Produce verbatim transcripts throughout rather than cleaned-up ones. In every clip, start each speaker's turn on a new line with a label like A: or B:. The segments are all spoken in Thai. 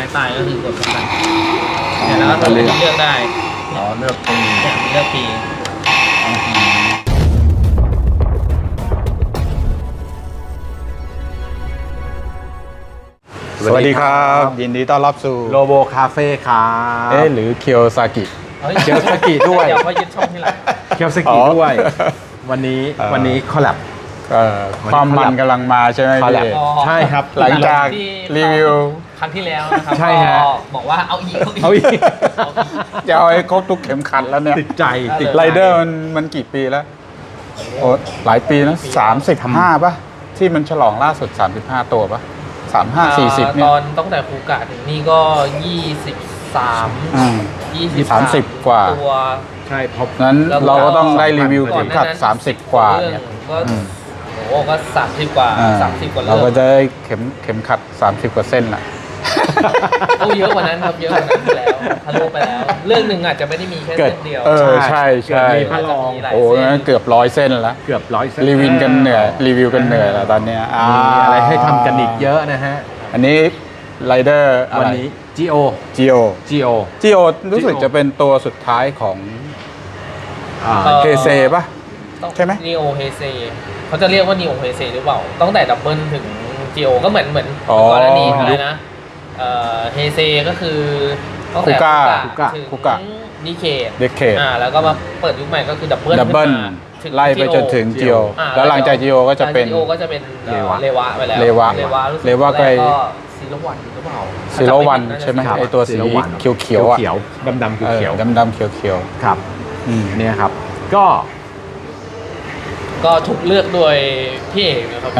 A: ตายก็คือกดไปเนี่ยแล้วก็เลือกเลือกได้
B: อ๋อเลือกปี
A: เนี่ยเลือกปี
B: สวัสดีครับยินดีต้อนรับสู่
C: โลโบคาเฟ่ครับ
B: เอ๊ะหรือเคียวซากิ
C: เคียวซากิด้วย
A: เดี๋ยวเขายึดช่องที่หลัง
C: เคียวซากิด้วยวันนี้วันนี้คอลแลบ
B: ความมันกำลังมาใช่ไหมพี่
C: ใช่ครับ
B: หลังจากรีวิว
A: ครั้งที่แล้วนะครับ
C: ใช่ฮะ
A: บอกว่าเอาอีก
C: เอาอีก
B: จะเอาให้ครบทุกเข็มขัดแล้วเนี่ย
C: ติดใจ
B: ติดไรเดอร์มันมันกี่ปีแล้วโอ้หลายปีนะสามสิบห้าป่ะที่มันฉลองล่าสุดสามสิบห้าตัวป่ะสามห้าสี่สิบเนี่ย
A: ตอนตั้งแต่คูกะถึงนี่ก็ยี่สิบสามยี่สิบ
B: สามสิบกว่า
A: ตัว
C: ใช่พบ
B: นั้นเราก็ต้องได้รีวิวเข็มขัดสามสิบกว่าเนี่ย
A: ก็โอ้ก็สามสิบกว่าสามสิบกว่า
B: เราก็จะได้เข็มเข็มขัดสามสิบกว่าเส้นน่ะ
A: โอ้เยอะกว่านั้นครับเยอะกว่านั้นไปแล้วทะลุไปแล้วเรื่องหนึ่งอาจจะไม่ได้มีแค่เส้นเดียว
B: เออใช่ใช่
C: มีพระรอง
B: โอ้เกือบร้อยเส้นแล้ว
C: เกือบร้อยเส้น
B: รีวิวกันเหนื่อยรีวิวกันเหนื่อยแล้วตอนเนี้ย
C: มีอะไรให้ทำกันอีกเยอะนะฮะ
B: อันนี้ไรเดอร์
C: วันนี้ จี โอ
B: จี โอ
C: จี โอ
B: จี โอ รู้สึกจะเป็นตัวสุดท้ายของเฮเซป่ะใช่ไหม
A: นีโอเฮเซเขาจะเรียกว่านีโอเฮเซหรือเปล่าตั้งแต่ดับเบิลถึง จี โอ ก็เหมือนเหมือนก่อนหน้านี้อะไรนะเฮเซก็คือตั้งแต่
B: คุกะ
A: ถึงดีเคด
B: ดีเคด
A: อ่าแล้วก็มาเปิดยุคใหม่ก็คือดับเบิล
B: ดับเบิลไล่ไปจนถึงจีโอแล้วหลังจากจีโอก็จะเป็น
A: จีโอก็จะเป็นเลวะเลวะไปแล้ว
B: เลวะ
A: เลวะ
B: เลวะก็
A: ซีโรวันหรือเปล่า
B: ซีโรวันใช่ไหมไอตัวสีเขียวเขียว
C: เขียวดำดำเขียว
B: ดำดำเขียวเขียว
C: ครับเนี่ยครับก็
A: ก็ถูกเลือกโดยพี่เอกนะครับ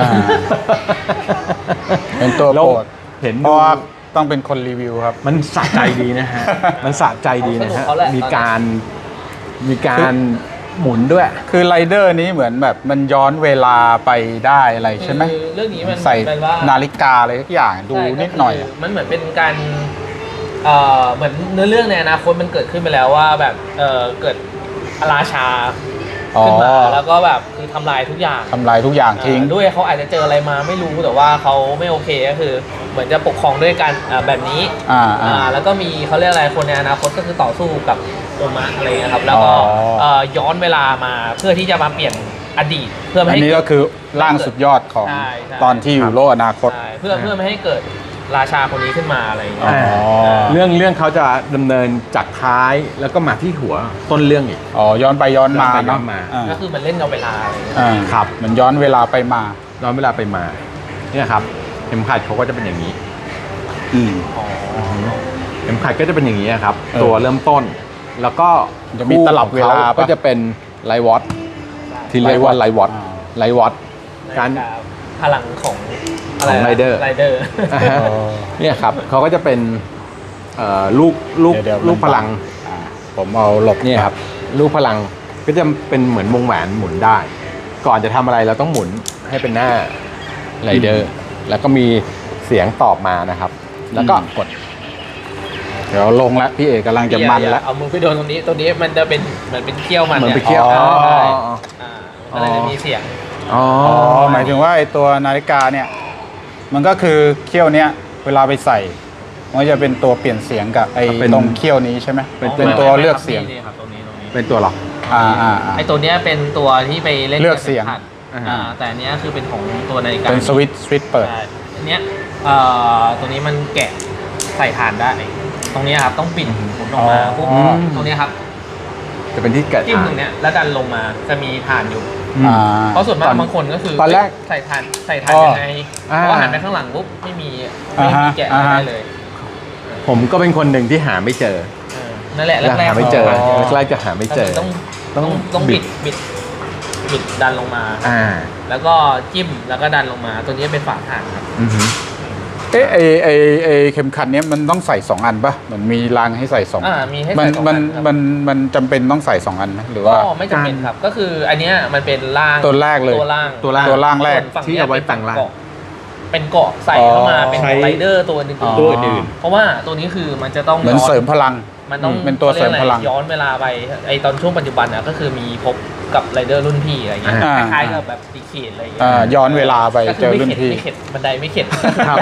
B: เป็นตัวโปรด
C: เห็น
B: เพราะว่าต้องเป็นคนรีวิวครับ
C: มันสะใจดีนะฮะมันสะใจดีนะฮะมีการมีการหมุนด้วย
B: คือไรเดอร์นี้เหมือนแบบมันย้อนเวลาไปได้อะไรใช่ไหม
A: เรื่องนี้มัน
B: ใส่นาฬิกาอะไรทุกอย่างดูนิดหน่อย
A: มันเหมือนเป็นการเอ่อเหมือนเนื้อเรื่องในอนาคตมันเกิดขึ้นไปแล้วว่าแบบเอ่อเกิดราชาขึ้นมาแล้วก็แบบคือทำลายทุกอย่าง
B: ทำลายทุกอย่างทิ้ง
A: ด้วยเขาอาจจะเจออะไรมาไม่รู้แต่ว่าเขาไม่โอเคก็คือเหมือนจะปกครองด้วยการแบบนี้
B: อ่าอ่า
A: แล้วก็มีเขาเรียกอะไรคนในอนาคตก็คือต่อสู้กับโอมะอะไรนะครับแล้วก็ย้อนเวลามาเพื่อที่จะมาเปลี่ยนอดีตเพื่อไม่ให้
B: อันนี้ก็คือร่างสุดยอดของตอนที่อยู่โลกอนาคต
A: เพื่อเพื่อไม่ให้เกิดราชาคนนี้ขึ้นมาอะไรอย่างเงี้ย
C: เรื่องเรื่องเขาจะดำเนินจากท้ายแล้วก็มาที่หัวต้นเรื่องอีก
B: อ๋อย้อนไปย้อนมา
A: ย้อนมาก็คือมันเล่นกับเวลาอะไร
C: ครับ
B: มันย้อนเวลาไปมา
C: ย้อนเวลาไปมาเนี่ยครับเข็มขัดเขาก็จะเป็นอย่างนี้
B: อืม
C: เข็มขัดก็จะเป็นอย่างนี้ครับตัวเริ่มต้นแล้วก็
B: จะมีตลับเวลา
C: ก็จะเป็นไลท์วอตที่เรียกว่าไลท์วอตไลท์วอต
A: การพลังของ
C: ของไรเดอร์
A: ไรเดอร์
C: เนี่ยครับเขาก็จะเป็นลูกลูกลูกพลัง
B: ผมเอาหลบ
C: เนี่ยครับลูกพลังก็จะเป็นเหมือนวงแหวนหมุนได้ก่อนจะทำอะไรเราต้องหมุนให้เป็นหน้าไรเดอร์แล้วก็มีเสียงตอบมานะครับแล้วก็กด
B: เดี๋ยวลงแล้วพี่เอกกำลังจะมันแล้ว
A: เอามือไปโดนตรงนี้ตรงนี้มันจะเป็นเหมือนเป็นเขี้ยวมัน
C: เหมือนเป็นเขี้ยว
A: ใช่มันจะมีเสียง
B: อ๋อหมายถึงว่าไอตัวนาฬิกาเนี่ยมันก็คือเขี้ยวเนี้ยเวลาไปใส่มันจะเป็นตัวเปลี่ยนเสียงกับไอ้ตรงเขี้ยวนี้ใช่ไหมเป็นตัวเลือกเสียง
C: เป็นตัวหรอ
B: อ่าอ่า
A: ไอ้ตัวเนี้ยเป็นตัวที่ไปเล่น
B: เลือกเสียง
A: อ่าแต่อันเนี้ยคือเป็นของตัวนาฬิกา
B: เป็นสวิตช์สวิตช์เปิด
A: อันเนี้ยเอ่อตัวนี้มันแกะใส่ถ่านได้ตรงนี้ครับต้องปิดหมุนออกมาปุ๊บตรงนี้ครับ
C: จะเป็นที่แกะ
A: จิ้มตรงเนี้ยแล้วดันลงมาจะมีถ่านอยู่เพราะส่วนมากบางคนก็คือ
C: ตอนแรก
A: ใส่ถ่านใส่ถ่านยังไงเพราะหันไปข้างหลังปุ๊บไม่มีไม่มีแกะได้เลย
C: ผมก็เป็นคนหนึ่งที่หาไม่เจอ
A: นั่นแหละแรก
C: ๆหาไม่เจอแรกๆจะหาไม่เจอ
A: ต้องต้องต้องบิดบิดบิดดันลงมาแล้วก็จิ้มแล้วก็ดันลงมาตัวนี้เป็นฝาถ่านครับ
B: เอ๊ะไอไอไอเข็มขัดเนี้ยมันต้องใส่สองอันปะเหมือนมีรางให้ใส่สอง
A: อ่ามีให้ใส่
B: สองอันมันมันมันจำเป็นต้องใส่สองอันนะหรือว่า
A: ก็ไม่จำเป็นครับก็คืออันเนี้ยมันเป็นล่าง
B: ตัวแรกเลย
A: ตัวล่าง
C: ตัวล่าง
B: ตัวล่างแรก
C: ที่เอาไว้แต่งล่าง
A: เป็นเกาะใส่เข้ามาเป็นไรเดอร์ตัวนึง
C: ตัวอื่น
A: เพราะว่าตัวนี้คือมันจะต้อง
B: เหมือนเสริมพลัง
A: มันต้อง
B: เป็นตัวเสริมพลัง
A: ย้อนเวลาไปไอตอนช่วงปัจจุบันอ่ะก็คือมีพบกับไรเดอร์รุ่นพี่อะไรเงี้ยคล้ายๆกับแบบดีเคดอะไรเงี้ย
B: ย้อนเวลาไปเจอรุ่นพี่
A: ไม่เข็ดบันไดไม่เข็ด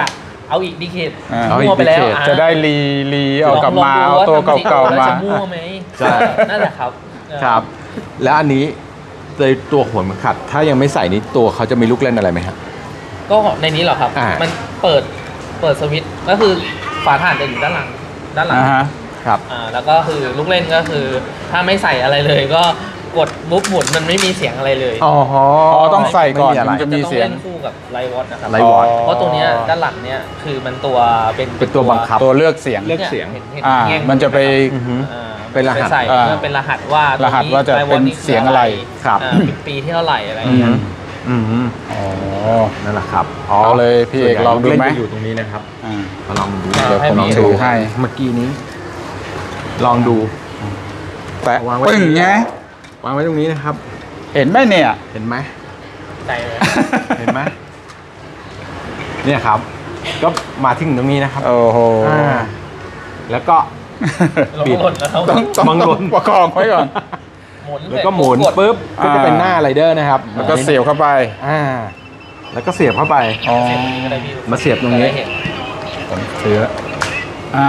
A: เอาอีกดีเคท
B: อ่า
A: มั่วไปแล้วอ่
B: จะได้รีรีเอากลับมา
A: ล
B: เอา
A: งดู
B: ตัว
A: ทำ
B: เก่าๆ
A: แล้ว
B: มา
A: จะมั่วไหม
C: ใช่
A: นั่นแหละครับเออ
C: ครับ แล้วอันนี้ในตัวหัวเข็มขัด ถ้ายังไม่ใส่นี้ตัวเขาจะมีลูกเล่นอะไรไหมฮะ
A: ก็ในนี้เหรอครับ
C: อ่ามั
A: มันเปิดเปิดสวิตช์ก็คือฝาถ่านจะอยู่ด้านหลังด้านหลัง
B: อ่าฮะ
C: ครับ
A: อ่าแล้วก็คือลูกเล่นก็คือ ถ้าไม่ใส่อะไรเลย ก็กดบุ๊บหมุนมันไม่มีเสียงอะไรเลย
C: อ๋อ
B: อ๋อต้องใส่ก่อน
C: ไม่มีอะไร
B: ถึงจะมี
A: ต้อง
B: เสียง
A: เล่นคู่กับไลท์วอตนะครับ
C: ไลท์วอต
A: เพราะตัวเนี้ยด้านหลังเนี้ยคือมันตัวเป็น
C: เป็นตัวบังคับ
B: ตัวเลือกเสียง
C: เลือกเสียง
A: ห็นห็น
B: อ่า
A: แง่ง
B: มันจะไป
C: อือฮึ
A: อ่า
C: เป็นรหัส
A: ใส่
B: อ่า
A: เพื่อเป็นรหัสว่าร
B: หัสว่าจะเป็นเสียงอะไร
C: ครับ
A: อ่าปีปีที่เท่าไหร่อะไรอย่าง
C: อื
A: เงี้ย
C: มอืม
B: อ๋อ
C: นั่นแหละครับ
B: เอาเลยพี่เอกลองดูไหม
C: ส่วนใญ่ลูกเล่นจะอยู่ตรงนี้นะครับ
B: อ่า
C: มาลองดู
A: อ่า
C: เดี๋ยว
A: ให้
C: ผมลอง
A: พี่
C: ดู
B: ถือให้
C: เมื่อกี้นี้ ลองดู
B: แปะ
C: วางไว้
B: ปึ้งไง
C: วางไว้ตรงนี้นะครับ
B: เห็นไหมเนี่ย
C: เห็นไหม
A: ใส่เลย
C: เห็นไหมเนี่ยครับ ก็มาถึงตรงนี้นะครับ
B: โอ้โห
C: อ่าแล้วก็
A: ลง
C: บิด
A: หล่นแล้ว
B: ต้องต้อง
C: บังหล่น
B: ประคองไว้ก่อน
A: หมุน
C: แล้วก็หมุน
A: เสร็จ
C: ปุ๊บก็จะเป็น
B: อ่า
C: หน้าไรเดอร์นะครับ
B: แล้วก็เสียบเข้าไป
C: อ่า แล้วก็เสียบเข้าไป
B: อ๋อ
A: เสร็จก็ได้พี่
C: มาเสียบตรงนี้
A: จะได้เห็น
B: ผมถืออ่า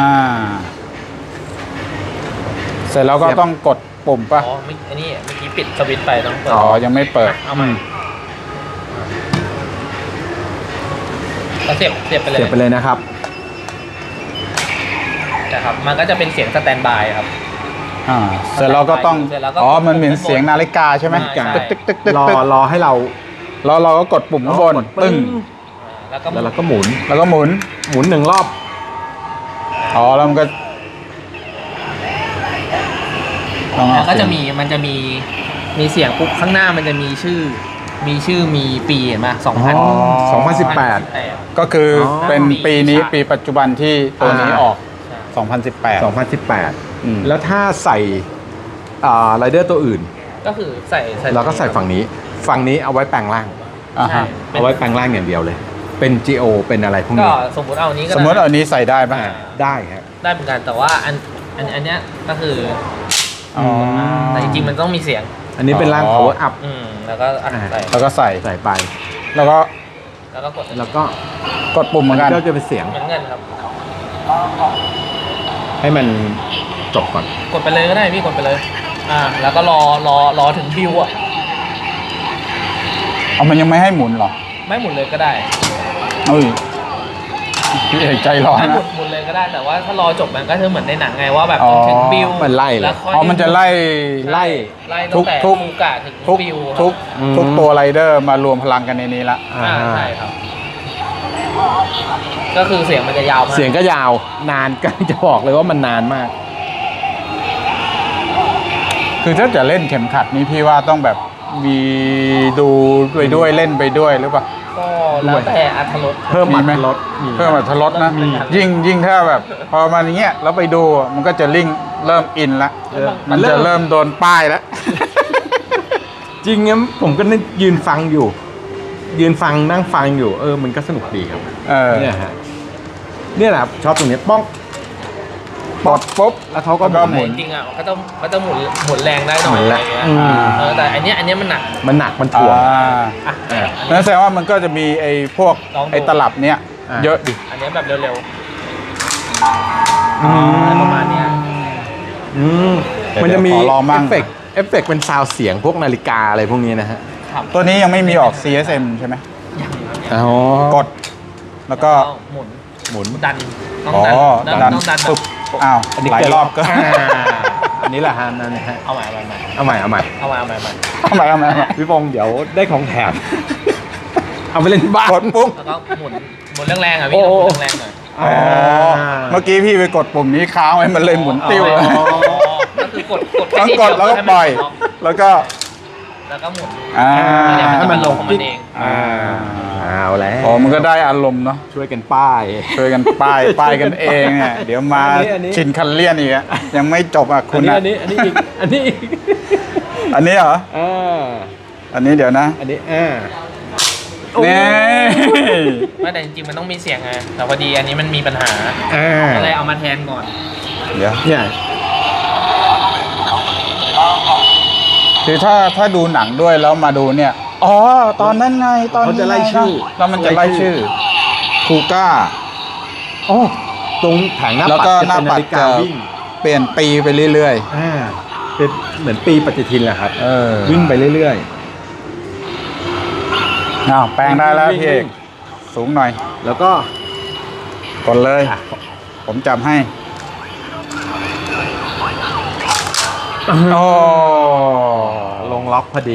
B: เสร็จแล้วก็
C: เสียบ
B: ต้องกดปุ่มปะ
A: อ๋อไม่อันนี้เมื่อกี้ปิดสวิตช์ไปต้องเปิด
B: อ๋อ ยังไม่เปิด
A: เอาใหม่ก็เสียบเสียบไปเลย
C: เสียบไปเลยนะครับ
A: นะครับมันก็จะเป็นเสียงสแตนบายครับ
B: อ่า เสร็จแล้วก็ต้อง
A: เสร็จแล้วก็
B: อ๋อ มันเหมือนเสียงนาฬิกาใช่ไหม
A: ใช่
B: ตึกตึกตึกตึก
C: รอ
B: ตึก
C: รอให้เรา
B: แล้วเราก็กดปุ่มข้างบน
C: กด
B: ปึ้ง
A: อ่าแล้วก็
C: แล้วเราก็หมุน
B: แล้วก็หมุน
C: หมุนหนึ่งรอบ
B: อ๋อ แล้วมันก็ต้องเอา
A: แล้วก็จะมีมันจะมีมีเสียงปุ๊บข้างหน้ามันจะมีชื่อ มีชื่อมีปีเห็นไหมสองพัน
C: สองพันสิบแปด
B: ก็คืออ
C: อ
B: เป็นปีนี้ปีปัจจุบันที่ตัวนี้
C: อ่า
B: ออก สองพันสิบแปด
C: สองพันสิบแปด
B: อืม
C: แล้วถ้าใส่ไรเดอร์ตัวอื่น
A: ก็คือใส่ใส่
C: เราก็ใส่ฝั่งนี้ ฝั่งนี้เอาไว้แปลงร่าง
B: อ่า
A: ใช่
B: ฮะ
A: เป็น
C: เอาไว้แปลงร่างอย่างเดียวเลย เป็น จี โอ เป็นอะไรพวก
A: ก็
C: นี้
A: สมมติเอาอันนี้ก็
B: สมมติเอานี้ใส่ได้ป่ะ
C: อ่าได้ครับ
A: ได้เหมือนกันแต่ว่าอันอันอันเนี้ยก็คือ
B: อ๋อ
A: แต่จริงๆมันต้องมีเสียง
C: อันนี้เป็นร่าง
B: อ๋อ
C: power up
A: อืมแล้วก็อัด
C: อ่า
A: ใส่
B: แล้วก็ใส่
C: ใส่ไป
B: แล้วก็
A: แล้วก็กด
C: แล้วก็
B: กดปุ่มเหมือนกัน
C: ก็จะเป็นเสียง
A: เหมือนกันครับ
C: ให้มันจบก่อน
A: กดไปเลยก็ได้พี่กดไปเลย อ่า แล้วก็รอรอรอถึงบิวอ่ะ
B: เอามันยังไม่ให้หมุนเหรอ
A: ไม่หมุนเลยก็ได้
B: เอ้ยพี่เอกใจร้อน
A: ไม่หมุ
B: นะ
A: นหมุนเลยก็ได้แต่ว่าถ้ารอจบมันก็จะเหมือนในหนังไงว่าแบบ
B: อ๋อ
A: ถึงบิว
C: มันไล่เลย
A: แล้วค่อย
B: อ๋อ มันจะไล่
A: ไล่ไล่ตั้งแต่
B: ทุก
A: ฟูกะถึง
B: ทุก
A: บิว
B: ทุก
C: อืม
B: ทุกตัวไรเดอร์มารวมพลังกันในนี้ละ
A: อ่าใช่ครับ ก็คือเสียงมันจะยาวมาก
C: เสียงก็ยาวนานก็จะบอกเลยว่ามันนานมาก
B: คือถ้าจะเล่นเข็มขัดนี้พี่ว่าต้องแบบมีดูไปด้วยเล่นไปด้วยหรือเปล่า
A: ก็แล้วแต่อัธรส
C: เพิ่ม
B: มี
C: อั
B: ไหม
C: ตรสมี
B: เพิ่มอรรถรสนะ
A: มี
B: ยิ่งยิ่งถ้าแบบ พอมันอย่างเงี้ยแล้วไปดูมันก็จะลิงก์เริ่มอินละ
C: เออ
B: มันจะเริ่มโดนป้ายแล้ว
C: จริงงั้นผมก็นั่งยืนฟังอยู่ ยืนฟังนั่งฟังอยู่ เออ มันก็สนุกดีครับ
B: เออ
C: เนี่ยฮะเนี่ยแหละครับชอบตรงเนี้ยป้อง
B: ปลดปุ๊บ
C: แล้วเขาก็
B: แล้วก็หมุน
A: จริงๆอ่ะก็ต้องก็ต้องหมุนหมุนแรงได้หน่อย
C: หมุน
A: อะ
C: แร
A: ไรง เงี้ย
C: อืม
A: เออแต่อันเนี้ยอันเนี้ยมันหนัก
C: มันหนักมันถ่วง
B: อ่า
A: อ่ะ
C: อ่า
B: นั่นแสดงว่ามันก็จะมีไอ้พวก
A: ลองดู
B: ไอ้ตลับเนี้ย
C: อ่า
B: เยอะดิ
A: อันเนี้ยแบบเร็ว
C: อื
A: ๆอะไรประมาณเนี้ย
C: อืม
B: เดี๋ยว
C: มันจะมี
B: ขอลอง
C: เอ
B: มั่ง
C: ฟเฟกต์เอฟเฟกต์เป็นซาวด์เสียงพวกนาฬิกาอะไรพวกนี้นะฮะ
A: ครับ
B: ตัวนี้ยังไม่มีออก ซี เอส เอ็ม ใช่ไหม
C: อ๋อก
B: ด แล้วก็
A: หมุน
C: หมุน
A: ดันต้อง
B: อ๋อ
A: ดัน
B: ดัน
A: ต้องดันแบ
B: ปึ๊
A: บบ
B: อ้าว
C: อันนี้
B: หลายรอบก็
C: าอันนี้แหละฮะนั่นนะฮะ
A: เอาใหม่เอาใหม่
C: เอาใหม่เอาใหม่
A: เอาใหม่เอาใหม่เอาใหม่
B: ทำไมทำไมทำไม
C: พี่ปงเดี๋ยวได้ของแถม เอาไปเล่นที่บ้าน
B: กดปุ๊บ
A: แล้วก็หมุนหมุนแรงๆอ่ะพี่ต้องหมุนแรงๆหน่อย
B: อ๋อ เมื่อกี้พี่ไปกดปุ่มนี้ค้างไว้มันเลยหมุนติ้ว
A: อ๋
B: เลย
A: อก็คือกดกด
B: ต้อง
A: แค่
B: กด
A: นิ
B: แล้วก็
A: เพื่
B: ปล่อย
A: ให้มันล็ก
B: แล้วก็
A: แล้วก็หมุน
B: อ่า
A: เดี๋ยวมัน
C: ให้
A: จะ
C: มั
A: มัน น
C: ล
A: ล
C: ง
A: งของมันเอง
B: อ่า
C: เอาแล้ว
B: อ๋อมันก็ได้อารมณ์เนาะ
C: ช่วยกันป้าย
B: ช่วยกันป้ายป้ายกันเองเนี่ยเดี๋ยวมา
C: อันนี้อันนี้
B: ชินคันเลียนอีกอะยังไม่จบอ่ะ
C: อั
B: คุ
C: น
B: ณ
C: นี้
B: อะ
C: อันนี้อันนี้อีกอันนี้อีก
B: อันนี้เหรอ
C: อ่า
B: อันนี้เดี๋ยวนะ
C: อันนี้อ่า
B: นี่
A: ไม่แต่จริงๆมันต้องมีเสียงไงแต่พอดีอันนี้มันมีปัญหา
C: อ่า
A: ก็เลยเอามาแทนก่อน
B: เดี๋ยว
C: เนี่ย
B: คือถ้าถ้าดูหนังด้วยแล้วมาดูเนี่ย อ๋อ ตอนนั้นไง ตอน
C: เขา
B: นี้
C: จะไล่ชื่อ
B: แล้วมันจะไล่ชื่อ คูก้า
C: โอ้ตรงแผงหน้า
B: แล้ว
C: ปัด
B: ก็
C: จะ
B: หน้า
C: เป็น
B: ปั
C: นา
B: ด
C: ฬิกา
B: จะ
C: วิ่ง
B: เปลี่ยนปีไปเรื่อย
C: อ่าเป็นเหมือนปีปฏิทินแหละครับ
B: ๆ เออ
C: วิ่งไปเรื่อย
B: อ้าวแปลงได้แล้ว
C: วิ่ง
B: พี่เอก
C: วิ่ง
B: สูงหน่อย
C: ๆ แล้วก็
B: กดเลย
C: อ่ะ
B: ผมจำให้โอ้
C: ลงล็อกพอดี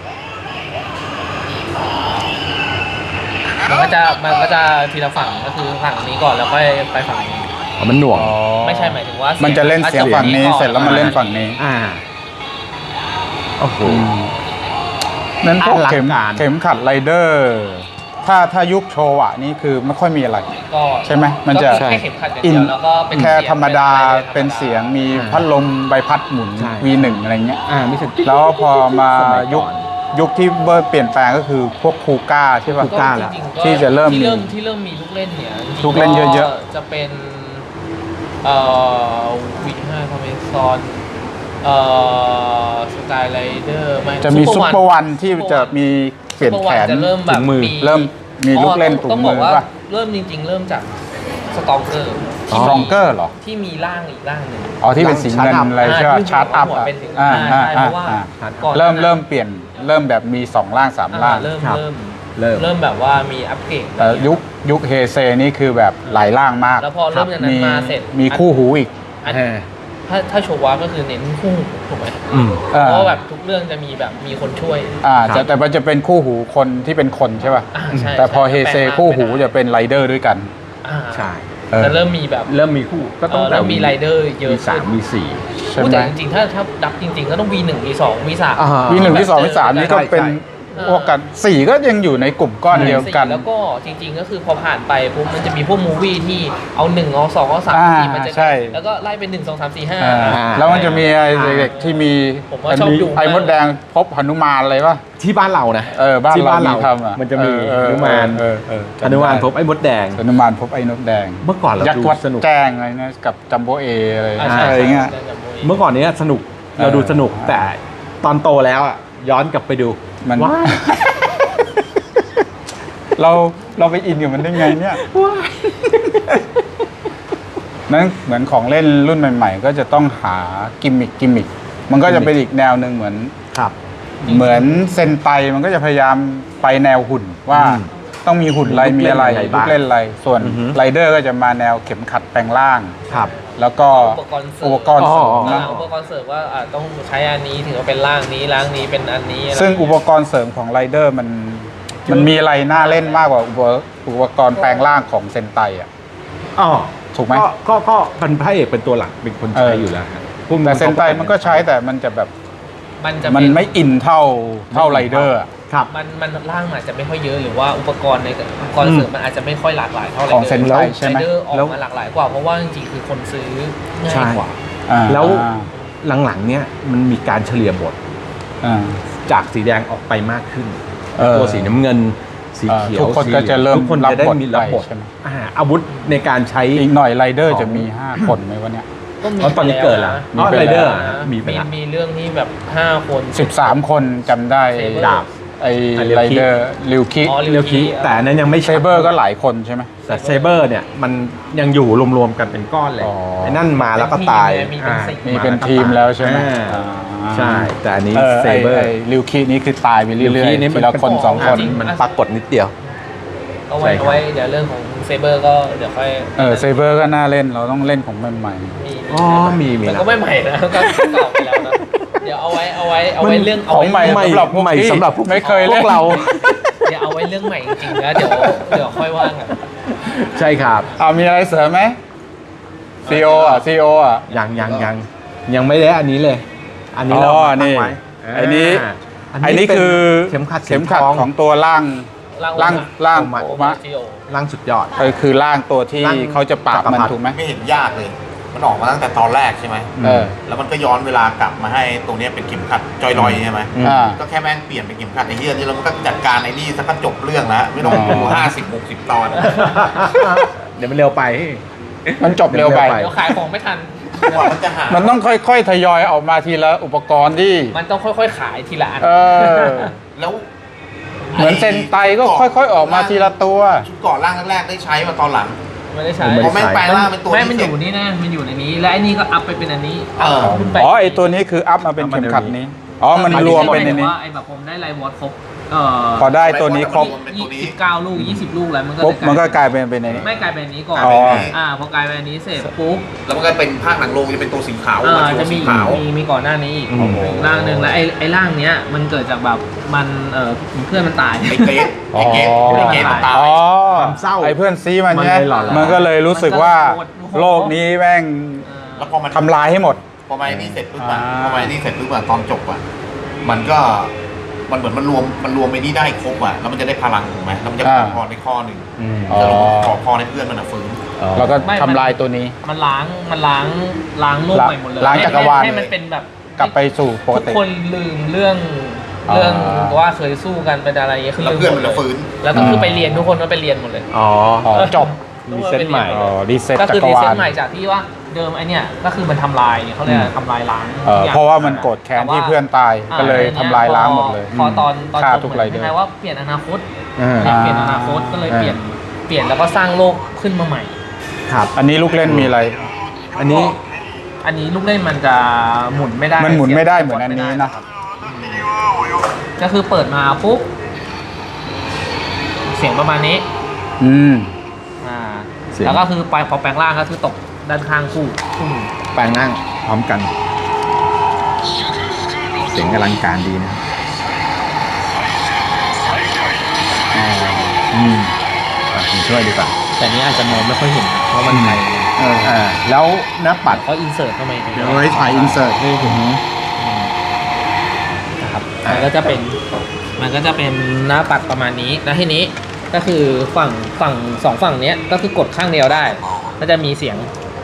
A: มันก็จะมันก็จะทีละฝั่งก็คือฝั่งนี้ก่อนแล้วค่อยไปฝั่งนี้
C: อ๋อมันหน่วง
A: ไม่ใช่หมายถึงว่า
B: มันจะเล่นเสียงฝั่งนี้
A: ก่อ
B: เสร็จแล้วมาเล่นฝั่งนี้
C: อ่าโอ้โห
B: นั้นพวก
C: อลัง
B: เข็ม
C: การ
B: เข็มขัดไรเดอร์ ถ้าถ้ายุคโชว์อ่ะนี่คือไม่ค่อยมีอะไร
A: ก็
B: ใช่ไหมมันจะ
A: ก็แค่เข็มขัดอย่างเดียวแล้วก็เป็น
B: แค่
A: เสียง
B: ธรรมดา
A: อะไร
B: เป็นเสียงมี
C: อ่า
B: พัดลมใบพัดหมุน
C: ใช่
B: วี หนึ่ง อะไรเงี้ย
C: อ่าไม่ใช่
B: แล้วพอมา
C: สมัยก่อน
B: ยุคยุคที่เบอร์เปลี่ยนแปลงก็คือพวกคูก้าใช่ป่ะ
C: คูก้า แล้ว
A: จริงๆก็
B: ที่จะเริ่ม
A: ที่เริ่ม
B: มี
A: ที่เริ่มมีลูกเล่นเนี่ยจริงๆ
B: ลูกเล่นเยอะๆ
A: ก็จะเป็นเอ่อวีห้าคอมเมซอนเอ่อสกายไรเดอร์
B: จะมีซุปเปอร์วันที่จะมีเปลี่ยนแขน
A: จะเริ่มแบบ
B: ถุงมือ
A: มี
B: เริ่มมีลูกเล่นถุ
A: ต้อง
B: ง
A: บ
B: มื
A: อก
B: อ
A: ว่า
B: ป่ะ
A: เริ่มจริง ๆ เริ่มจากสตองเกอร์
B: สตรองเกอร์เหรอ
A: ที่มีร่างอีกร่างหนึ่ง
B: อ๋อที่เป็นสีเงินอะไรใช่ป่ะ
A: ที่
B: ชาร์ตอัพ
A: หัว
B: อ่ะ
A: เป็นสี
B: อ่า
A: อ่า
B: อ่า
A: ใช่เพราะว่า
B: อ่า
A: ก่อน
B: เริ่ม
A: หน้านั้น
B: เริ่มเปลี่ยนเริ่มแบบมีสองล่างสามล่าง
A: อ่าเริ่ม
C: ครับ
A: เริ่ม
C: เริ่ม
A: เริ่มแบบว่ามีอัปเกรด
B: แต่ยุคยุคเฮเซนี่คือแบบหลายล่างมาก
A: แล้วพอเริ่มจากนั้นมาเสร็จ
B: มีคู่หูอีก
A: อัน
C: อ่า
A: ถ้าถ้าโชวะก็คือเน้นคู่ถูกไหม
C: อืม
B: อ่า
A: เพราะว่าแบบทุกเรื่องจะมีแบบมีคนช่วย
B: อ่า
C: ครับ
B: จะแต่มันจะเป็นคู่หูคนที่เป็นคนใช่ป่ะ
A: อ่าใช่
B: แต่พอ
A: ใช่
B: เฮเซ
A: แปลงร่าง
B: คู่หู
A: ไปได้
B: จะเป็นไรเดอร์ด้วยกัน
A: อ่า
C: ใช่
B: เออ
A: แต่เริ่มมีแบบ
C: เริ่มมีคู่ก็ต้อง
A: เออเริ่มมีไรเดอร์เยอะ
C: มีสามมีสี่
B: ใช่
A: พูด
B: ไหม
A: แต่จริงๆ ถ้าถ้าดับจริง ๆ ก็ต้อง วี หนึ่ง วี สอง วี สาม
C: อ่า
B: วีหนึ่งวีสองวีสามนี่ก็เป็น
C: ใช่
B: พวกกันสี่ก็ยังอยู่ในกลุ่มก้อนเดียวกัน
A: แล้วก็จริง ๆ ก็คือพอผ่านไปปุ๊บมันจะมีพวกมูวี่ที่เอาหนึ่งเอาสองเอาสาม
B: อ่า
A: สี่มันจะ
B: ใช่
A: แล้วก็ไล่เป็นหนึ่งสองสามสี่ห้า
B: อ่าแล้วมันจะมีไอ้เด็กที่มี
A: ผมว่าชอบดู
B: ไอ้มดแดงพบหนุมานอะไรป่ะ
C: ที่บ้านเรานะ
B: เออบ้าน
C: ที่
B: เรา
C: บ้าน
B: มี
C: เรา
B: ทำอ่ะ
C: มันจะมี
B: เออ
C: หนุมาน
B: เออเออ
C: หนุมานพบไอ้มดแดง
B: หนุมานพบไอ้นกแดง
C: เมื่อก่อนเรา
B: ยักษ์
C: ดู
B: วัด
C: สนุก
B: แจ้งอะไรนะกับจัมโบเออะไร
A: อ่าใช่
B: อะไรเงี้ย
A: ใช่ใช่
C: เมื่อก่อนเนี้ยสนุก
B: เออ
C: เราดูสนุกแต่ตอนโตแล้วอ่ะย้อนกลับไปดู
B: มัน
C: ว้าย
B: เราเราไปอินกับมันได้ไงเนี่ยนั้นเหมือนของเล่นรุ่นใหม่ ๆ ก็จะต้องหากิมมิคกิมมิคมันก็จะเป็นอีกแนวหนึ่งเหมือน
C: ครับ
B: เหมือนเซนไตมันก็จะพยายามไปแนวหุ่นว่า
C: อืม
B: ต้องมีหุ่นอะไร
C: ลู
B: มี
C: กเล่น
B: อะไร
C: อะไร
B: ลู
C: บ้าง
B: กเล่นอะไรส่วน
C: อือฮึ
B: ไรเดอร์ก็จะมาแนวเข็มขัดแปลงร่าง
C: ครับ
B: แล้วก็
A: อุปกรณ์เสริม
B: อุปกรณ์เสริม
C: อ๋อ
B: นะ
A: อ่าอุปกรณ์เสริมว่าอ่าต้องใช้อันนี้ถึงจะเป็นร่างนี้ร่างนี้เป็นอันนี้อะไร
B: ซึ่งอุปกรณ์เสริมของไรเดอร์มันมันมีอะไรน่าเล่นมากกว่าอุปอุปกรณ์แปลงร่างของเซนไตอ่ะ
C: อ๋อ
B: ถูกไหม
C: ก็ก็ก็เป็นพระเอกเป็นตัวหลักเป็นคน
B: เอ
C: ใช้
B: อ
C: อยู่แล้วครับ
B: แต่เซนไตมันก็ใช้แต่มันจะแบบ
A: มันจะ
B: มัน
A: เป็น
B: ไม่อินเท่าเท่าไรเดอร์อะ
C: ครับ
A: มันมันร่างอาจจะไม่ค่อยเยอะหรือว่าอุปกรณ์ในอุปกรณ์เสริมมันอาจจะไม่ค่อยหลากหลายเท่าไหร่
B: ของเซนไตใช่ไหม
A: ไรเดอร์ออก
C: แล้ว
A: มาหลากหลายกว่าเพราะว่าจริงๆคือคนซื้อง่า
C: ใช่
A: ยกว่า
B: อ่า
C: แล้วหลังๆเนี้ยมันมีการเฉลี่ยบท
B: อ่า
C: จากสีแดงออกไปมากขึ้น
B: เออ
C: ตัวสีน้ำเงิน สีเขียว
B: ทุกคน
C: สี
B: ก็จะเริ่ม
C: ทุกคนจะได้มีรับบท
B: รับบทไปใช่ไหม
C: อ่าอาวุธในการใช้
B: อีกหน่อยไรเดอร์
C: ของ
B: จะมีห้าคนไหมวะเนี่ย
A: ก็มี
C: อ๋อตอนนี้เกิดแล้ว
B: มี
C: อ๋อ
B: ไป
C: ไรเดอร์
B: แล้ว
C: มีไป
A: มี
C: แล้ว
A: มีเรื่องที่แบบห้าคน
B: สิบสามคนจำได้
A: เซเบอร์
B: ดาบไอ้
C: ไอ้เรียว
B: ไร
C: คิ
B: เดอร์ริวคิ
A: อ๋อ
C: เรียวคิแต่อันนั้นยังไม่
B: เซเบอร์ก็หลายคนใช่ไหม
C: แต่เซเบอร์เนี่ยมันยังอยู่รวมๆกันเป็นก้อนเลย
B: อ๋อ
C: ไอ้นั่นมาแล้วก็ตาย
A: มีเป็นสี่
B: มีเป็นทีมแล้วใช่ไหม
C: อ่า
B: อ่า
C: ใช่ แต่อันนี้
B: เออ
C: เซ
B: ไอ้
C: เบอร์
B: ไอ้ริวคินี่คือตายไปเรื่อยๆทีละคนสองคน
A: จริง
C: มันปรากฏนิดเดียว
A: เอาไว้
C: ใช่ครับ
A: เอาไว้เดี๋ยวเรื่องของเซเบอร์ก็เดี๋ยวค่อย
B: เออเซเบอร์ก็น่าเล่นเราต้องเล่นของใหม่
A: มี
C: อ๋อมีมี
A: แต่
C: แล้ว
A: ก็ไม่ใหม่นะก็เก่าไปแล้วนะเดี๋ยวเอาไว้เอาไว้เอาไว้เรื่อง
B: ๆ
A: เอา
B: ของ
A: ไว้
B: ใหม่
A: เรื่อง
B: สำหรับพวก
C: ใหม่
B: พี่
C: สำหรับพวก
B: ไม่เคย
C: พ
B: เล่
C: วน กเรา
A: เดี๋ยวเอาไว้เรื่องใหม่จริงๆแล้วเดี๋ยวเดี๋ยวค่อยว่างกัน
C: ใช่ครับ
B: เอามีอะไรเสริมไหมซีโออ่ะซีโออ่ะ
C: ยังยังยังยังไม่ได้อันนี้เลย อันนี้เรา
B: อ๋อ
C: มาตั้งไว้
B: นี่ไอ้นี้
C: า
B: ไอ้นี่
C: เป็น
B: คือ
C: เข็มขัด
B: เข็มขัด
C: สีท
B: ของตัวล่างล่างล่าง
C: โอมะ
B: โอมะ
A: จิโอ
C: ร่างสุดยอด
B: เออคือล่างตัวที่
C: ร่าง
B: เขาจะปราบมัน
C: จักรพรรดิ
B: ถูกไหม
D: ไม่เห็นยากเลย มันออกมาตั้งแต่ตอนแรกใช่ไหม
B: เออ
D: แล้วมันก็ย้อนเวลากลับมาให้ตรงเนี้ยเป็นเข็มขัดจอยลอยใช่ไหม
C: อืม
B: อ่า
D: ก็แค่แม่งเปลี่ยนเป็นเข็มขัดไอ้เหี้ยนี่แล้วมันก็จัดการไอ้นี่สักก็จบเรื่องแล้ว ไม่ต้องดู
B: อ๋อ
D: ห้าสิบหกสิบตอน
C: เดี๋ยวมันเร็วไป
B: มันจบเร็วไป
C: เร็วไป
A: เดี๋ยวขายของไม่ทัน
D: กว่ามันจะหา
B: มันต้องค่อยๆทยอยออกมาทีละอุปกรณ์ที่
A: มันต้องค่อยๆขายทีละอัน
B: เออ
D: แล้ว
B: เหมือนเซนไตก็ค่อยๆออกมาทีละตัว
D: ชุดก่อนร่างแรกๆได้ใช้มาตอนหลัง
A: ไไม่ได้ใช้
C: ไม่
D: เพ
C: ได้
D: ราะแม่งแปลงร่างเป็นตัว
A: ไม่มันอ
D: เสร็จ
A: ยู่นี่นะมันอยู่ในนี้ และไอ้นี่ก็อัพไปเป็นอันนี้
D: เออ
A: ขึ้นไป
B: อ๋อไอตัวนี้คืออัพมาเป็นเข็มขัดนี้อ๋อมันรวมเป็นในนี้
A: ว่าไอ้แบบผมได้ไลวอตครบเอ่อ
B: พอได้ตัวนี้ครบ
A: ยี่สิบเก้าลูกยี่สิบลูกแล้วมันก็
B: ปุ๊บมันก็
A: เลย
B: กลายเป็นเป็นในนี้
A: ไม่กลายเป็นอันนี้ก่อน
B: อ๋อ
A: อ่าพอกลายเป็นอันนี้เสร็จปุ๊บ
D: แล้วมันก็เป็นภาคหนังโรงจะเป็นตัวสีขาว
A: อ่า
D: มา
A: จะ
D: ตัว
A: มี
D: สีขาว
A: มีมีก่อนหน้านี้อีก
C: โอ้โห
A: ร่างหนึ่งแล้วไอ้ไอ้ร่างเนี้ยมันเกิดจากแบบมันเออเพื่อนมันตาย
D: ไอ้เกรดไอ้เกรดไอ้เกรดมันตาย
B: อ๋อ
C: ความเศร้า
B: ไอเพื่อนซีมัน
C: มัน
B: เนี่ย
C: เลยหล่อหลาน
B: มันก็เลยรู้สึกว่าโลกนี้แม่ง
A: เออ
D: แล้วพอมัน
B: ทำลายให้หมด
D: พอมาไอ้นี่เสร็จปุ๊บอะ
B: อ่า
D: พอมาไอ้นี่เสร็จปุ๊บอะตอนจบอะมันก็มันเหมือนมันรวมมันรวมไปนี่ได้ครบอะแล้วมันจะได้พลังถูกไหมแล้วมันจะขอพรในข้อหนึ่ง
C: อืม
B: อ๋อ
D: จะขอพรในเพื่อนมันอะฟื้น
B: แล้วก็
A: ไม่
B: ทำลายตัวนี้
A: มันล้างมันล้างล้างโลกใหม่หมดเลย
B: ล้างจักรวาล
A: ให้มันเป็นแบบ
B: กลับไปสู่ปก
A: ทุก
B: ติ
A: คนลืมเรื่อง
B: อ่า
A: เรื่องว่าเคยสู้กันเป็นอะไรอย่างเงี้ยคือ
D: แล้ว
A: ลืม
D: เพื่อน
A: หม
D: มัน
A: ด
D: จะ
A: เลย
D: ฟื้น
A: แล้วก็คือไปเรียนทุกคนก็ไปเรียนหมดเลย
C: อ๋อ
B: อ๋อจบ
C: รีเซ็ตใหม่
B: อ๋อรีเซ็ต
A: ก็
B: จั
A: คือก
B: ร
A: รี
B: วา
A: เซ็ต
B: ล
A: ใหม่จากที่ว่าเดิมไอเนี่ยก็คือมันทำลายเนี่ยเขาเรียกอะไรทำลายล้าง
B: เออ
A: ทุกย่ง
B: เพราะว่ามันโกรธแค้นที่เพื่อนตาย
A: อ่
B: ก็เลยทำลายล้างหมดเลย
A: พอตอนตอน
B: ฆ่า
A: จบ
B: ทุก
A: เห
B: ไร
A: มือน
B: เดอ
A: คล้าย
B: ร์
A: ๆว่าเปลี่ยนอนาคต
C: อ่า
A: เนี่ยเปลี่ยนอนาคตก็เลยเปลี่ยนเปลี่ยนแล้วก็สร้างโลกขึ้นมาใหม่
C: ครับ
B: อันนี้ลูกเล่นมีอะไร
C: อันนี้
A: อันนี้ลูกเล่นมันจะหมุนไม่ได้
B: มันหมุนไม่ได้เหมือน
A: สียบ
B: อันนี้
A: ไม่ได้
B: นะ
A: ก็คือเปิดมาปุ๊บเสียงประมาณนี้
B: อืม
A: อ่า
C: เสียง
A: แล้วก็คือไปพอแปลงร่างก็คือตกด้านข้างคู่อืม
C: แปลงนั่งพร้อมกัน เสียงอลังการดีนะอ่าอืมอ่ะผมช่วยดีกว่า
A: แต่นี้อาจจะมองไม่ค่อยเห็นเพราะมันไกล
B: เออ
C: อ่าแล้วหน้าปัด
A: เขาอินเสิร์ตเข้ามา
B: เดี๋ยวไว้ถ่ายอินเสิร์ตให้เห็น
A: นะครับมันก็จะเป็นมันก็จะเป็นหน้าปัดประมาณนี้แล้วทีนี้ก็คือฝั่งฝั่งสองฝั่งเนี้ยก็คือกดข้างเดียวได้ก็จะมีเสียง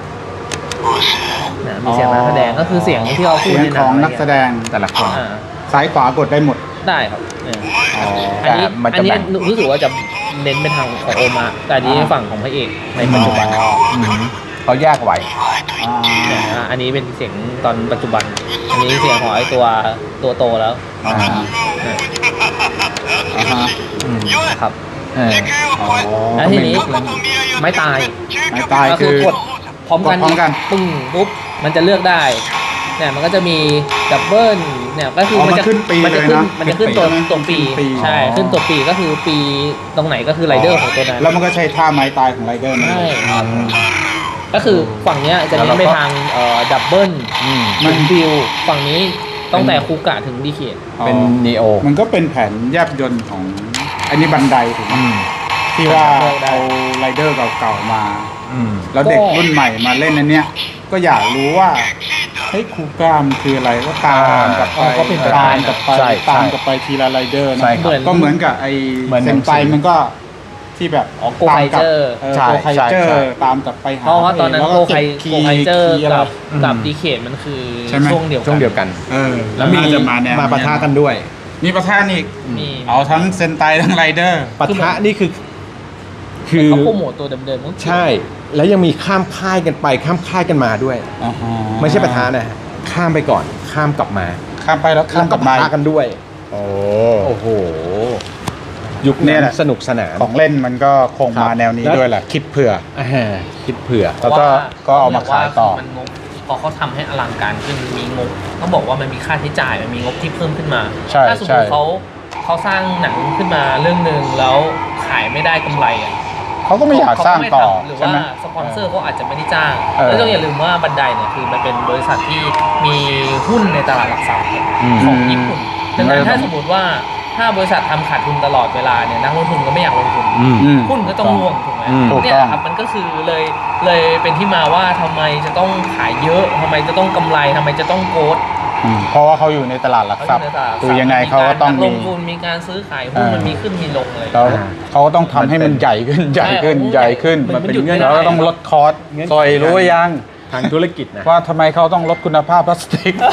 A: นะมีเสียงนักแสดงก็คือเสียงที่เขาพู
B: เสี
A: ด
B: ยง
A: ในห
B: ข
A: นั
B: อง
A: ง
B: นักแสดง
C: แต่ละคน
A: อ่า
B: ซ้ายขวากดได้หมด
A: ได้ครับเนี่ย
B: อ๋อ
A: อันนี้
C: แต่มัน
A: อั
C: จะ
A: นนี้
C: แบ่ง
A: รู้สึกว่าจะเน้นไปทางของโอมาแต่อันนี้
B: อ่า
A: ฝั่งของพระเอกในปัจจุบัน
C: อืมเขาแยกไว้
B: อ่า
A: เนี่ยอ่าอันนี้เป็นเสียงตอนปัจจุบัน อันนี้เสียงของไอ้ตัวตัวโตแล้ว
B: อ่า
A: เนี่ย
B: อ่าฮะ
C: อืม
A: นะครับ
C: เออ
B: อ๋อ
A: แล้วทีนี้ไม่ตาย
B: ไม่ตาย
A: ก็
B: คื
A: คือ อกดพร้อมกัน
B: กดพร้อมกัน
A: ปึ้งปุ๊บมันจะเลือกได้เนี่ยมันก็จะมีดับเบิลเนี่ยก็คือ
B: อ๋อ
A: มัน
B: มัน
A: จะ
B: ขึ้นปี
A: มัน
B: เล
A: จะ
B: ย
A: ขึ้น
B: นะ
A: มันจะขึ้นตัว
B: ขึ้นปี
A: ตัวปี
B: ขึ้นปี
A: ใช่
B: อ๋อ
A: ขึ้นตัวปีก็คือปีตรงไหนก็คือไรเดอร์ของตัวนั้น
B: แล้วมันก็ใช้ท่าไม้ตายของไรเดอร์นั่น
A: ใช่
B: เลย
A: ครับก็คือฝั่งเนี้ยจะเน้นไปทางเอ่อดับเบิล
C: อืม
B: มั
A: มัน นบิวฝั่งนี้ตั้งแต่คูกะถึงดีเคท
C: เป็นนีโอ
B: มันก็เป็นแผนแยบยนต์ของอันนี้บันไดถูกไหม
C: อืม
B: ที่ว่าเอาไรเดอร์เก่าๆมา
C: อืม
B: แล้วเด็กรุ่นใหม่มาเล่นอันเนี้ยก็อยากรู้ว่าเฮ้ยคูก้ามนคืออะไรก็ตามกลับไป
A: อ๋อก็เป็นไปได้
B: ตามกลับไป
C: ใช่
B: ตาม
C: ใช่
B: กลับไปทีละไรเดอร์นะ
C: ใช่ครับ
B: ก็เหมือนกับไอ
C: เหมือนห
B: เซ
C: นั
B: น
C: งสือ
B: ไตมันก็ที่แบบ
A: อ๋อ Go
B: ตามกลับ
A: Fighter
B: เออ
C: ใช่
B: โกไคเจอ
C: ใช่
B: ร์ตามกลับไปหา
A: เพราะว่าตอนนั้น
B: แล้ว
A: โก
B: ก็
A: ไค
B: เก็บคี
A: โก
B: ย์
A: ไคเจอร์
B: คีย์อะไร
A: กับ
C: อืม
A: กับดีเคทมันคือ
B: ใช่ไหม
A: ช่วงเดียวกัน
C: ช่วงเดียวกัน
B: เออ
C: แล้วมี
B: น่าจะมาแนว
C: มาปะทะกันด้วย
B: มีปะทะนี่
A: มี
B: เอาทั้งเซนไตทั้งไรเดอร์
C: ปะทะนี่คือ คือ
A: เขาโปรโมทตัวเดิมๆมั้ง
C: ใช่ แล้วยังมีข้ามค่ายกันไปข้ามค่ายกันมาด้วย ไม่ใช่ปะทะนะฮะข้ามไปก่อน ข้ามกลับมา
B: ข้ามไปแล้วข้ามกลับมา
C: แวปะทะกันด้วย
B: โอ้
C: โอ้โห ยุค
B: เนี่
C: นี้
B: ยแหละ
C: สนุกสนาน
B: ของเล่นมันก็คง
C: ครับ
B: มาแนวนี้
C: แล้ว
B: ด้วยแหละ คิดเผื่อ
C: อ่าคิดเผื่อ
B: แล้วก็ก็เอามาขายต่อ
A: มันงบพอเขาทำให้อลังการขึ้นมีงบต้องบอกว่ามันมีค่าใช้จ่ายมันมีงบที่เพิ่มขึ้นมา
B: ใช่
A: ถ้าสมม
B: ใช่
A: ติเขาเขาสร้างหนังขึ้นมาเรื่องหนึ่งแล้วขายไม่ได้กำไรอ่ะ
B: เขาก็ไม่อยากสร้างต่อ
A: หรือ
B: ใช่
A: ว่า
B: ไหม
A: สปอนเซอร์เขาอาจจะไม่ได้จ้าง
B: เออ
A: แล้วต้องอย่าลืมว่าบันไดเนี่ยคือมันเป็นบริษัทที่มีหุ้นในตลาดหลักทรัพย์
C: อืม
A: ของญี่ปุ่นดังนั้นถ้าสมมติว่าถ้าบริษัททำขาดทุนตลอดเวลาเนี่ยนักลงทุนก็ไม่อยากลงทุน
C: อืม
B: อืม
A: หุ้นก็ต้องร่วงถูกไหม
C: อืม
B: ถูก
A: เนี่ย
B: ต้อง
A: ครับมันก็คือเลยเลยเป็นที่มาว่าทำไมจะต้องขายเยอะทำไมจะต้องกำไรทำไมจะต้องโกด
B: อืมเพราะว่าเขาอยู่ในตลาดหลักทรัพย์คือยังไงเขาก็ต้อง
A: ล
B: มี
A: งทุนมีการซื้อขายหุ้น
B: เออ
A: มันมีขึ้นมีลงอะไร
B: แล้วเขาก็ต้องทำให้มันใหญ่ขึ้นใหญ่ขึ้น
A: ใช่
B: ใหญ่ขึ้น
A: มันเป็นหยุดไม่ได้
B: แล้วก็ต้องลดคอส
C: เงื่อนไข
B: ซอยรู้ยัง
C: ทางธุรกิจนะ
B: ว่าทำไมเขาต้องลดคุณภาพพลาสติก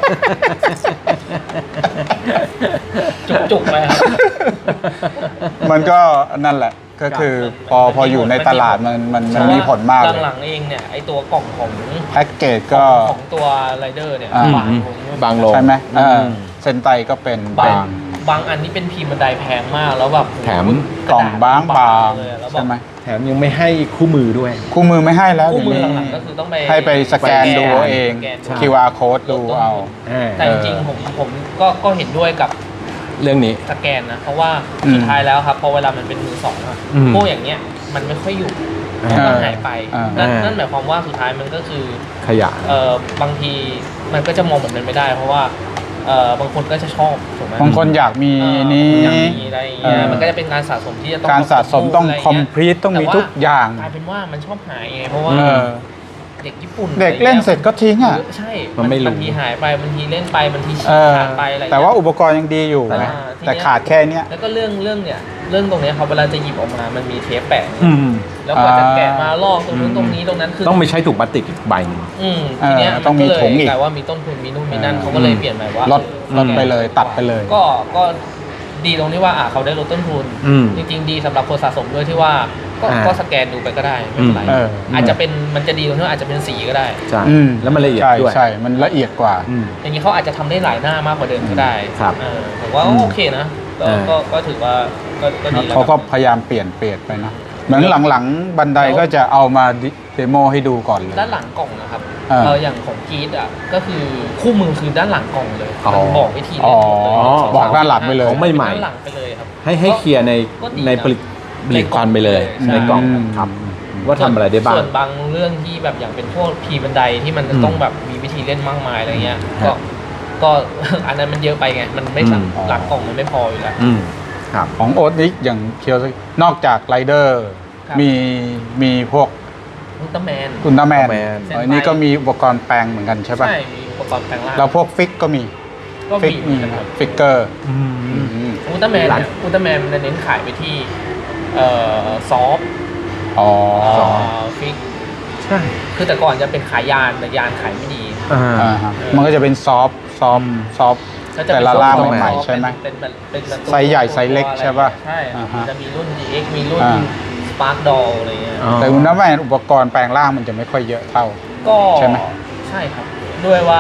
A: จุกๆไปครับ
B: มันก็นั่นแหละก็คือพอพออยู่ในตลาดมันมันมันมีผลมากเลย
A: หลังๆเองเนี่ยไอตัวกล่องของ
B: แพ็กเกจก็
A: ของตัวไรเดอร์เนี่ย
B: อ่า
A: บางลง
C: บางลง
B: ใช่ไหม
C: อืม
B: เออเซนไตก็เป็น
A: บา
B: เป็น
A: งบางอันนี่เป็นพิมพ์บันไดแพงมากแล้วแบบ
C: แถม
B: กล่องบางบาง
A: เลยอะแล้วแบ
B: ใช่
A: บ
B: ไหม
C: แถมยังไม่ให้คู่มือด้วย
B: คู่มือไม่ให้แล้ว
A: คู่มือ
B: เดี๋ยว
A: หลัง
B: นี้
A: ๆก็คือต้องไป
B: ให้ไปสแกนดูเอาเอง
A: สแกนดู
B: คิว อาร์ code ดูเอา
A: แต่จริงๆผมผมก็ก็เห็นด้วยกับ
C: เรื่องนี้
A: สแกนนะเพราะว่า
B: อืม
A: สุดท้ายแล้วครับพอเวลามันเป็นมือสองอะ
C: อืม
A: พวกอย่างเงี้ยมันไม่ค่อยอยู่
C: อ่า
A: มันก็หายไป
B: อ่า
A: นั่น
C: อ่านั่
A: นั่นหมายความว่าสุดท้ายมันก็คือ
C: ขยะ
A: เอ่อบางทีมันก็จะมองแบบนั้นไม่ได้ เพราะว่าเอ่อบางคนก็จะชอบถูกไหม
B: บางคนอยากมี
A: เออ
B: นี้
A: อยากมีอะไรอย่างเงี้ย
B: เออ
A: มันก็จะเป็นการสะสมที่จะต้อง
B: การสะสมต้อง
A: ะไร
B: คอม
A: เงี้ย
B: พลีทต้องมี
A: แต่ว่า
B: ทุกอย่าง
A: กลายเป็นว่ามันชอบหายไงเพราะว่า
B: เออ
A: เด็กญี่ปุ่น
B: เด็กเล่นเสร็จก็ทิ้งอ่ะ
A: ใช่
C: มันไม่รู้
A: บางทีหายไปบางทีเล่นไปบางทีฉี
B: เอก อ
A: ขาดไปอะไรเงี้ย
B: แต่ว่าอุปกรณ์ยังดีอยู่นะ
A: อ่าทีเนี้ย
B: แต่ขาดแค่เนี้ย
A: แล้วก็เรื่องเรื่องเนี่ยเรื่องตรงเนี้ยครับเวลาจะหยิบออกมามันมีเทปแปะ
C: อืม
A: แล้วก็จะแกะ
B: อ่าม
A: มาลอกตรงนู้น
C: อืม
A: ตรงนี้ตรงนั้นคือ
C: ต้องไปใช้ถุงพลาสติกอีกใบหนึง
A: อืมทีเนี้ย
B: เออ
A: มัน
B: ต้องมี
A: ก็เลย
B: ถุงอีก
A: กลายว่ามีต้นทุนมีนู่นมีนั่น
B: อ่า
A: เขาก็เลยเปลี่ยนใหม่ว่า
B: ลด
A: เออ
B: ลดไปเลยตัดไปเลย
A: ก็ก็ดีตรงที่ว่าอ่ะเขาได้ลดต้นทุน
C: อืม
A: จริงๆดีสำหรับคนสะสมด้วยที่ว่าก็
C: อ่า
A: ก็สแกนดูไปก็ได้ไม่เป็นไร
B: เออ
A: อาจจะเป็นมันจะดีตรงที่ว่าอาจจะเป็นสีก็ได้
C: ใช่
B: อืม
C: แล้วมันละเอียด
B: ใช่
C: ด้วย
B: ใช่มันละเอียดกว่า
C: อืม
A: อย่างนี้เขาอาจจะทำได้หลายหน้ามากกว่าเดิมก็ได้
C: ครับ
A: เออผมว่า
C: อืม
A: โอเคนะก็
C: อ่า
A: ก็ก็ถือว่าก็ก็ดีแล้ว
B: เขาก็พยายามเปลี่ยนเปลี่ยนไปนะเหมือนหลังๆ บันไดก็จะเอามาเดโมให้ดูก่อนเลย
A: ด้านหลังกล่องนะครับ
B: อ่า
A: เอออย่างของกีดอ่ะก็คือคู่มือคือด้านหลังกล่องเลย
C: อ๋อ
A: มันบอกวิธี
B: อ๋
A: เล่
B: อน
A: หมดเลย
B: บอกด้านหลังไปเลย
C: ของใหม่ๆ
A: ด้านหลังไปเลยครับ
C: ให้ให้เคลียร์ใน
A: ก็ดีนะ
C: ในผลิตผลิตภัณฑ์ไปเลย
A: ใช่
C: ในกล่อง
B: อืม
C: ครับ ว่าทำอะไรได้บ้าง
A: ส่วนบางเรื่องที่แบบอย่างเป็นพวกพีบันไดที่มันจะ
C: อืม
A: ต้องแบบมีวิธีเล่นมากมายอะไรเงี้ย
C: ครั
A: ก็
C: บ
A: ก็ อันนั้นมันเยอะไปไงมันไม่สาม
C: อืม
A: หลังกล่องมันไม่พออยู่แล้ว
C: อืมครับ
B: ของโอ๊ตนิกอย่างเคียวนอกจากไรเดอร์
A: ครับ
B: มีมีพวก
A: อุลตร้าแมน
B: อุลตร้าแมน
C: Ultraman
B: อันนี้ก็มีอุปกรณ์แปลงเหมือนกันใช่ป่ะ
A: ใช่มีอุปกรณ์แปลงร่าง
B: แล้วพวกฟิกก็มี
A: ก็
B: ฟิก
A: มี
B: มี
A: นะครับ
B: ฟิกเกอร์
C: อืม
A: อุลตร้าแมน
C: ร้าน
A: เนี่ยอุลตร้าแมนมันจะเน้นขายไปที่เอ่อซอฟต์
B: อ๋อ
A: ฟิก
C: ใช่
A: คือแต่ก่อนจะเป็นขายยานแต่ยานขายไม่ดี
C: อ่า
B: อ่าฮะมันก็จะเป็นซอฟต์ซอฟต์ซอฟต์
A: ก็จะ
B: แต่
A: เป็น
B: ละล่าง
A: ซอฟต์
B: ใหม่
A: ซอฟต์
B: ๆใช่ไหม
A: เป็นเป็นเป็นเป็นตัว
B: ไซส์ใหญ่ไซส์เล็ก
A: ตัวอไร
B: ใช่ป่ะ
A: ใช่
B: อ่าฮะ
A: มันจะมีรุ่น ดี เอ็กซ์ มีรุ่น
B: อ่า
A: Spark Doll อะไรเงี้ย
C: อ๋อ
B: แต่อุลตร้าแมนอุปกรณ์แปลงร่างมันจะไม่ค่อยเยอะเท่า
A: ก็
B: ใช่ไหม
A: ใช่ครับ ด้วยว่า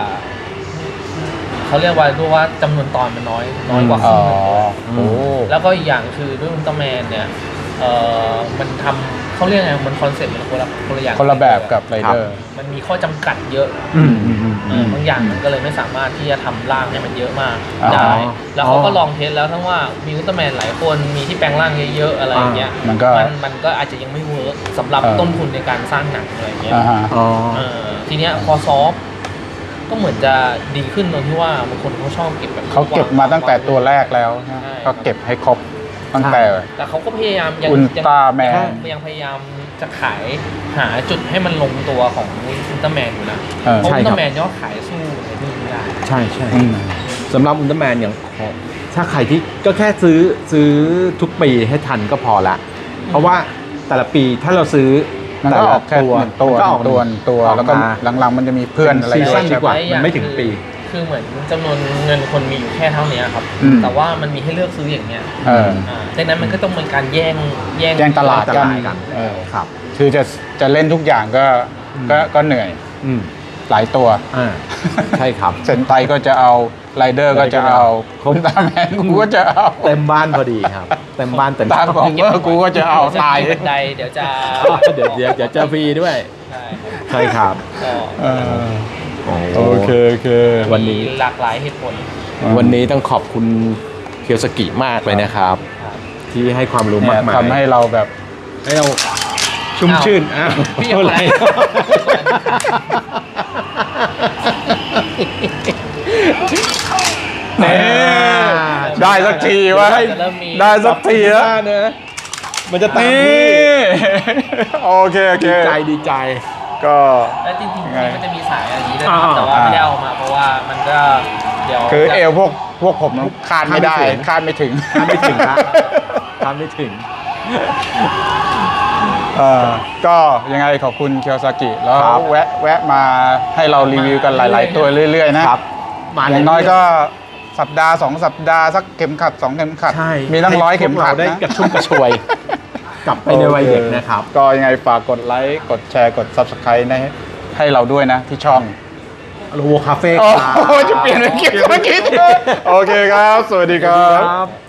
A: เขาเรียกว่าด้วยว่าจำนวนตอนมันน้อยน้อยกว่าค
B: อ๋
A: รึ่
B: อง
A: หนึ่งเลย
B: โอ้
A: แล้วก็อีกอย่างคือด้วยอุลตร้าแมนเนี่ยเอ่อมันทำเขาเรียกไงมันคอนเซ็ปต์มันคนละคนละอย่าง
B: คนละแบบกับไรเดอร์
A: มันมีข้อจำกัดเยอะ
C: อืมอืมอืม
A: เออบางอย่างมันก็เลยไม่สามารถที่จะทำร่างให้มันเยอะมาก
B: อ๋อ
A: ได้ แล้วเขาก็
C: อ๋อ
A: ลองเทสแล้วทั้งว่ามีอุลตร้าแมนหลายคนมีที่แปลงร่างเยอะๆอะไรอย่างเงี้ย
B: มันก็
A: มันมันก็อาจจะยังไม่เวิร์กสำหรับ
B: เออ
A: ต้นทุนในการสร้างหนังอะไรอย่างเงี้ย
B: อ่าฮะ
C: อ๋อ
A: เออทีเนี้ยพอซอฟต์ก็เหมือนจะดีขึ้นตรงที่ว่าบางคนเขาชอบเก็บแบบ
B: เขาเก็บมาตั้งแต่ตัวแรกแล้วนะ
A: ใช่
B: ก็เก็บให้ครบตั้งแต่
A: แต่เขาก็พยายามยัง
B: อุลตร้าแมน
A: ยังยังพยายามจะขายหาจุดให้มันลงตัวของอุลตร้าแมนอยู่นะ
B: เออ
A: เพราะ
C: ใช่
A: อุล
C: ค
A: ต
C: รับ
A: ร้าแมนยอดขายสู้อะไรพวกนี้ไม่ได้
C: ใช่ใช่
B: อืม
C: สำหรับอุลตร้าแมนอย่างของถ้าใครที่ก็แค่ซื้อซื้อทุกปีให้ทันก็พอละ เพราะว่าแต่ละปีถ้าเราซื้อ
B: มัน
C: แต่
B: ก็อ
C: ละ
B: อกแค่
C: ตัว
B: หนึ่งตัว
C: มันก็ออก
B: ตัวหนึ่งตัว
C: ออก
B: แล้วก็
C: มา
B: หลังๆมันจะมีเพื่อนอะไร
C: ซีซั่น
B: ด้วย
C: ดี
B: ใช่
C: กว่า
B: ปะ
A: อย่
C: มันไม่ถึงปี
A: คือเหมือนจำนวนเงินคนมีอยู่แค่เท่านี้ครับ
B: อืม
A: แต่ว่ามันมีให้เลือกซื้ออย่างเงี้ย
B: เออ
A: อ่าดังนั้นมันก็ต้องเป็นการแย่งแย่ง
B: แย่งตลาดกัน
C: กัน
B: เออ
C: ครับ
B: คือจะจะเล่นทุกอย่างก็
C: อืม
B: ก็ก็เหนื่อย
C: อืม
B: หลายตัว
C: อ่าใช่ครับ
B: เซนไตก็จะเอาไรเดอร์ก็จะเอาคมตาแมนกูก็จะเอา
C: เต็มบ้านพอดีครับ เต็มบ้านเต็ม
B: ตามของเมื่อกูก็จะเอาตาย
A: บันไดเดี๋ยวจะ
C: เดี๋ยวเดี๋ยวเดี๋ยวเจอฟรีด้วย
A: ใช่
C: ใช่ครับ
A: ก็
B: เออ
C: โอ้
B: โอเคโอเค
C: วันนี้
A: มีหลากหลายเหตุผล
C: วันนี้ต้องขอบคุณเคียวสกิมากเลยนะครับ
A: ครับ
C: ที่ให้ความรู้
B: เนี่
C: มาย กมาย
B: ทำให้เราแบบ
C: ให้เราชุ่มชื่นอ้าว
A: พี่อย่า
C: อะไร
A: ไป
B: นี่ได้สักทีวะ
A: จะเริ่มมี
B: ได้สักทีแล้ว
C: เนอะมันจะตาม
B: นี่
C: ที่
B: โอเคโอเค
C: ดีใจดีใจ
B: ก็
A: แล้วจริงๆ
B: ไง
A: มันจะมีสายอะไรอย่างนี้ด้วย
C: อ่า
A: นะแต่ว่าไม่ได้เอามาเพราะว่ามันก็เดี๋ยว
B: คือเอวพวกพวกผมคาดไม่ได้
C: คาดไม่ถึง
B: คาดไม่ถึง
C: ทำไม่ถึงครับทำไม่ถึง
B: เออก็ยังไงขอบคุณเคียวซากิแล้ว
C: ครับ
B: แวะแวะมาให้เรารีวิวกันหลาย ๆ ตัวเรื่อย ๆ นะครับ
C: มา
B: อย่างน้อยก็สัปดาห์สองสัปดาห์สักเข็มขัดสองเข็มขัด
C: ใช่
B: มีตั้งร้อยเข็มขัด
C: ให้พวกเราได้
B: นะ
C: กระชุ่มกระชวย กลับไปในวัยเด็กนะครับ
B: ก็ยังไงฝากกดไลค์กดแชร์กด ซับสไครบ์ ให้ให้เราด้วยนะที่ช่อง
C: โลโวคาเฟ่
B: โอ้โหจะเปลี่ยนเป็นคลิปเมื่อกี้โอเคครับ สวัสดีครับ